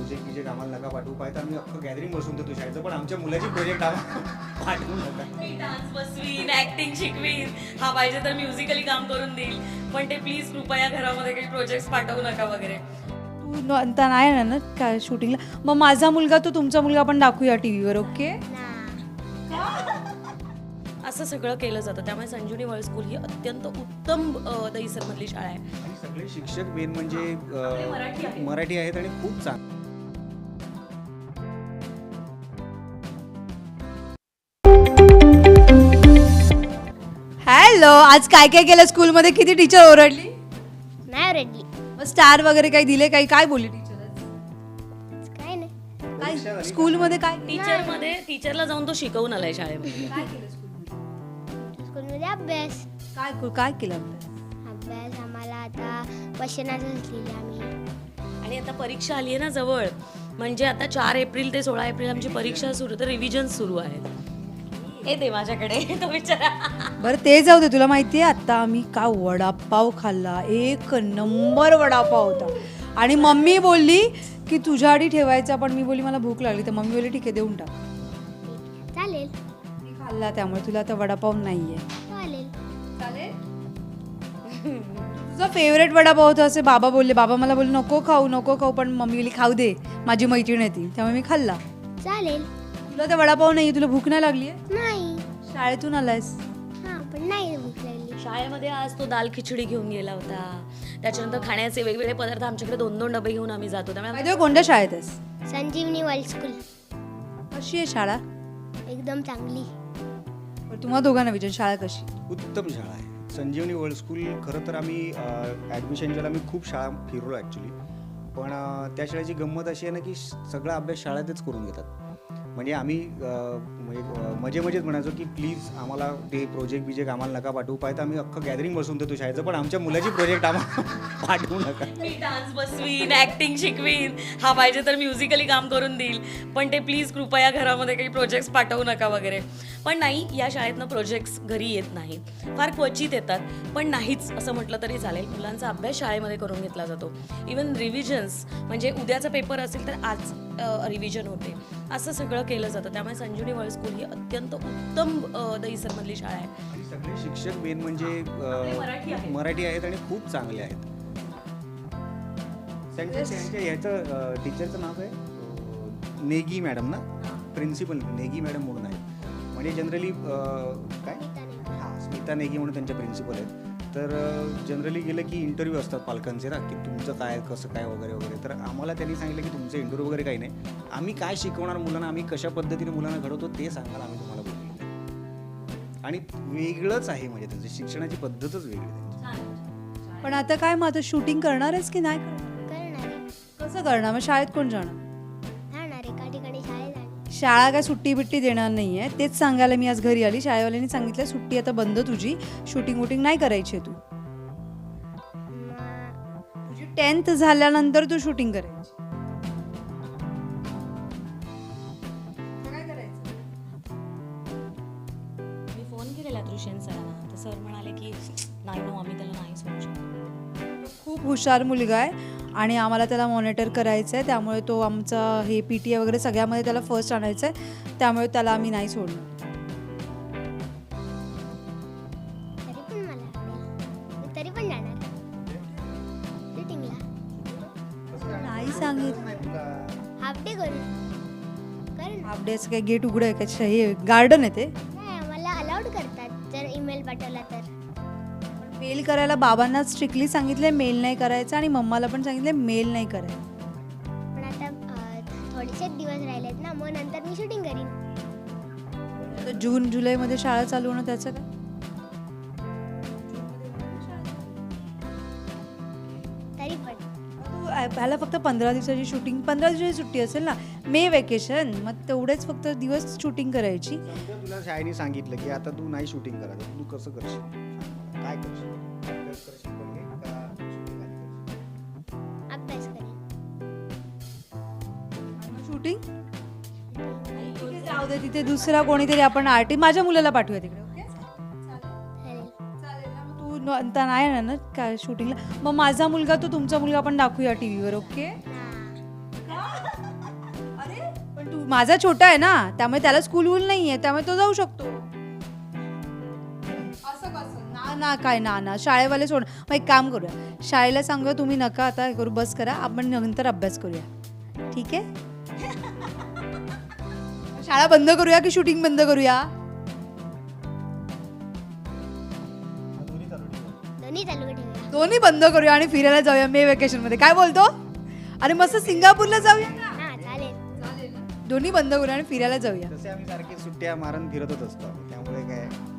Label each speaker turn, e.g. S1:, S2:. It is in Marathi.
S1: प्रोजेक्ट बिजेक्ट आम्हाला नका पाठवू पाहिजे आम्ही अख्खं गॅदरिंग बसून देतो शाळेचं, पण आमच्या मुलाची प्रोजेक्ट आम्हाला पाठवू नका.
S2: मी डान्स बसवीन, ऍक्टिंग शिकवीन, हा पाहिजे तर म्युझिकली काम करून देईल, पण ते प्लीज कृपया घरामध्ये काही प्रोजेक्ट पाठवू नका वगैरे.
S3: तू आता नाही येणार ना काय शूटिंगला? मग माझा मुलगा तो तुमचा मुलगा आपण दाखवूया टीव्हीवर, ओके?
S2: असं सगळं केलं जातं. त्यामुळे संजीवनी वर्ल्ड स्कूल ही अत्यंत उत्तम दहीसरमधली शाळा आहे.
S1: आणि सगळे शिक्षक मेन म्हणजे
S2: मराठी आहेत.
S1: मराठी आहेत आणि खूप चांगले.
S3: हॅलो, आज काय काय केलं स्कूलमध्ये? किती टीचर ओरडली?
S4: नाही रेडली
S3: मग स्टार वगैरे काही दिले? काही काय बोलली टीचर?
S4: काय नाही.
S3: काय स्कूलमध्ये काय
S2: टीचरला जाऊन तो शिकवून आलाय शाळेमध्ये.
S3: काय केलं स्कूलमध्ये?
S4: स्कूलमध्ये अभ्यास
S3: काय केलं अभ्यास?
S4: अभ्यास आम्हाला आता क्वेश्चनाच लिहिले आम्ही.
S2: आणि आता परीक्षा आली आहे ना जवळ, म्हणजे आता 4 एप्रिल ते 16 एप्रिल आमची परीक्षा सुरू, तर रिव्हिजन सुरू आहे. हे दे माझ्याकडे तो विचारा.
S3: बरं ते जाऊ दे, तुला माहिती आहे आता आम्ही का वडापाव खाल्ला, 1 नंबर वडापाव होता. आणि मम्मी बोलली की तुझ्या आधी ठेवायचा, पण मी बोलली मला भूक लागली, तर मम्मी बोलली ठीक आहे देऊन टाक.
S4: चालेल
S3: मी खाल्ला, त्यामुळे तुला आता वडापाव नाहीये.
S4: चालेल.
S3: तुझा फेवरेट वडापाव होता असे बाबा बोलले. बाबा मला बोलले नको खाऊ, पण मम्मी बोलली खाऊ दे, माझी मैत्रीण आहे ती, त्यामुळे मी खाल्ला.
S4: चालेल.
S3: तुला तर वडापाव नाही, तुला भूक नाही लागली आहे?
S4: नाही.
S3: शाळेतून आलायस?
S4: हां पण नाही भूक लागली.
S2: शाळेमध्ये आज तो दाल खिचडी घेऊन गेला होता. त्याच्यानंतर खाण्याचे वेगवेगळे पदार्थ आमच्याकडे 2-2 डबे घेऊन आम्ही जातो. त्यामुळे
S3: माहिती कोणत्या शाळेत आहेस?
S4: संजीवनी वर्ल्ड स्कूल
S3: कशी आहे शाळा?
S4: एकदम चांगली.
S3: तुम्हाला दोघांना विचार, शाळा कशी?
S1: उत्तम शाळा आहे संजीवनी वर्ल्ड स्कूल. खरं तर आम्ही ॲडमिशनच्या आम्ही खूप शाळा फिरलो ॲक्च्युली, पण त्या शाळेची गंमत अशी आहे ना की सगळा अभ्यास शाळेतच करून घेतात. म्हणजे आम्ही मजेत म्हणायचो की प्लीज आम्हाला ते प्रोजेक्ट बिजेक्ट आम्हाला नका पाठवू पाहिजे आम्ही अख्खं गॅदरिंग बसून देतो शाळेचं, पण आमच्या मुलाची प्रोजेक्ट आम्हाला पाठवू नका.
S2: मी डान्स बसवीन, ऍक्टिंग शिकवीन, हा पाहिजे तर म्युझिकली काम करून देईल, पण ते प्लीज कृपया घरामध्ये काही प्रोजेक्ट्स पाठवू नका वगैरे. पण नाही, या शाळेतनं प्रोजेक्ट्स घरी येत नाहीत, फार क्वचित येतात, पण नाहीच असं म्हटलं तरी चालेल. मुलांचा अभ्यास शाळेमध्ये करून घेतला जातो. इवन रिव्हिजन्स, म्हणजे उद्याचा पेपर असेल तर आज रिव्हिजन होते, असं सगळं केलं जातं. त्यामुळे संजीवनी वर्ल्ड स्कूल ही अत्यंत उत्तम दहीसरमधली शाळा आहे.
S1: आणि सगळे शिक्षक मेन म्हणजे मराठी आहेत आणि खूप चांगले आहेत. त्यांच्या ह्याचं टीचरचं नाव आहे नेगी मॅडम ना, प्रिन्सिपल नेगी मॅडम म्हणून आहेत. म्हणजे जनरली काय हां स्मिता नेगी म्हणून त्यांच्या प्रिन्सिपल आहेत. तर जनरली गेलं की इंटरव्ह्यू असतात पालकांचे ना, की तुमचं काय कसं काय वगैरे. तर आम्हाला त्यांनी सांगितलं की तुमचं इंटरव्ह्यू वगैरे काही नाही, आम्ही काय शिकवणार मुलांना, आम्ही कशा पद्धतीने मुलांना घडवतो ते सांगायला आम्ही तुम्हाला बोललेलं. आणि वेगळंच आहे, म्हणजे त्यांचं शिक्षणाची पद्धतच वेगळी त्यांची.
S3: पण आता काय, मग आता शूटिंग करणार आहेस की नाही करणार?
S4: करणार आहे.
S3: कसं करणार? मग शाळेत कोण जाणार?
S4: जाणार एका ठिकाणी शाळेत जाणार.
S3: शाळा काय सुट्टी बिट्टी देणार नाही आहे, तेच सांगायला मी आज घरी आली. शाळेवाल्यांनी सांगितलं सुट्टी आता बंद, तुझी शूटिंग वूटिंग नाही करायची आहे, तुझी 10th झाल्यानंतर तू शूटिंग करायची. काय करायचं?
S2: मी फोन केलेला दृश्यन सरांना, तर सर म्हणाले की नाही नो, आम्ही त्याला नाही सोडू शकतो.
S3: खूप हुशार मुलगा आहे आणि आम्हाला त्याला मॉनिटर करायचं आहे, त्यामुळे तो आमचा हे PTA वगैरे सगळ्यामध्ये त्याला फर्स्ट आणायचं आहे, त्यामुळे त्याला आम्ही नाही सोडणार.
S4: तरी पण मला आवडेल. मी तरी पण जाणार शूटिंगला.
S3: नाही सांगितलं.
S4: हाफ डे करू. करू.
S3: हाफ डेचं काही गेट उघडं आहे का? हे गार्डन आहे ते?
S4: नाही आम्हाला अलाउड करतात जर ईमेल पाठवला तर.
S3: मेल करायला बाबांना स्ट्रिक्टली सांगितलंय मेल नाही करायचं, आणि मम्माला पण सांगितलंय मेल नाही करायचं.
S4: पण आता थोडेसेच दिवस राहिलेत ना, मग नंतर मी शूटिंग करीन.
S3: तर जून जुलैमध्ये शाळा चालू होणं त्याचं काय?
S4: तरी पण
S3: तू ह्याला फक्त 15 दिवसाची शूटिंग, 15 दिवसाची सुट्टी असेल ना, मे वेकेशन, मग तेवढेच फक्त दिवस शूटिंग करायची.
S1: समजा तुला शाळेने सांगितलं की आता तू नाही शूटिंग करायचं, तू कसं करशील? काय करशील? अभ्यास करशील पहिले का shooting आधी करशील?
S4: अभ्यास करेन.
S3: शूटिंग जाऊ दे, तिथे दुसरा कोणीतरी आपण आर्टिस्ट, माझ्या मुलाला पाठवूया तिकडे, ओके?
S4: चालेल.
S3: चालेल ना? मग तू आता नाही येणार ना काय शूटिंगला? मग माझा मुलगा तो तुमचा मुलगा आपण दाखवूया टीव्हीवर, ओके?
S4: हां.
S3: माझा छोटा आहे ना, त्यामुळे त्याला स्कूल वूल नाही आहे, त्यामुळे तो जाऊ शकतो. असं कसं? ना काय ना शाळेवाले सोड. मग एक काम करूया, शाळेला सांगूया तुम्ही नका आता हे करू, बस करा, आपण नंतर अभ्यास करूया. ठीक आहे? शाळा बंद करूया की शूटिंग बंद करूया?
S4: दोन्ही चालू ठेवूया.
S3: दोन्ही बंद करूया आणि फिरायला जाऊया मे वेकेशन मध्ये. काय बोलतो? अरे मस्त सिंगापूरला जाऊया ना.
S4: हा चालेल.
S3: दोन्ही बंद करूया आणि फिरायला जाऊया.
S1: तसे आम्ही सारखे सुट्ट्या मारून फिरतच असतो, त्यामुळे काय